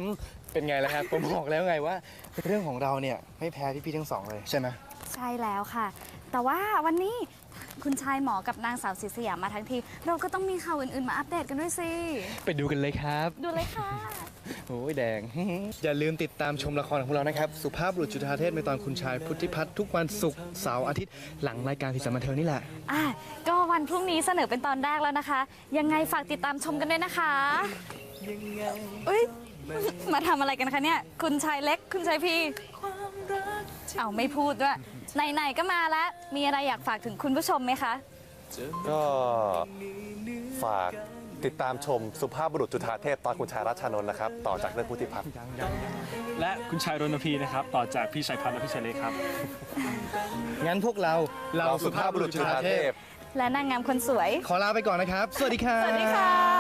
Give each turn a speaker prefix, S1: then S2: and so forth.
S1: เป็นไงล่ะครับผมบอกแล้วไงว่าเรื่องของเราเนี่ยไม่แพ้พี่ๆทั้งสองเลยใช่ไหม
S2: ใช่แล้วค่ะ แต่ว่าวันนี้คุณชายหมอกับนางสาวศรีสยามมาทั้งทีเราก็ต้องมีข่าวอื่นๆมาอัปเดตกันด้วยสิ
S1: ไปดูกันเลยครับ
S2: ดูเลยค่ะ
S1: โอ้ยแดง อย่าลืมติดตามชมละครของเรานะครับสุภาพบุรุษจุฑาเทพในตอนคุณชายพุทธิพัฒน์ทุกวันศุกร์เสาร์อาทิตย์หลังรายการสีสันบันเทิงนี่แหละ
S2: ก็วันพรุ่งนี้เสนอเป็นตอนแรกแล้วนะคะ ยังไงฝากติดตามชมกันด้วยนะคะอุ้ยมาทำอะไรกันคะเนี่ยคุณชายเล็กคุณชายพี่เอาไม่พูดด้วยไหนๆก็มาแล้วมีอะไรอยากฝากถึงคุณผู้ชมไหมคะ
S3: ก็ฝากติดตามชมสุภาพบุรุษจุฑาเทพตอนคุณชายรัชชานนท์นะครับต่อจากเรื่องพุทธิพัฒน์
S4: และคุณชายรณพีนะครับต่อจากพี่ชายพัฒน์และพี่ชายเล็กครับ
S1: งั้นพวกเรา
S3: เราสุภาพบุรุษจุฑาเทพ
S2: และนางงามคนสวย
S1: ขอลาไปก่อนนะครับ สวัสดีครับ
S2: สวัสดีค่ะ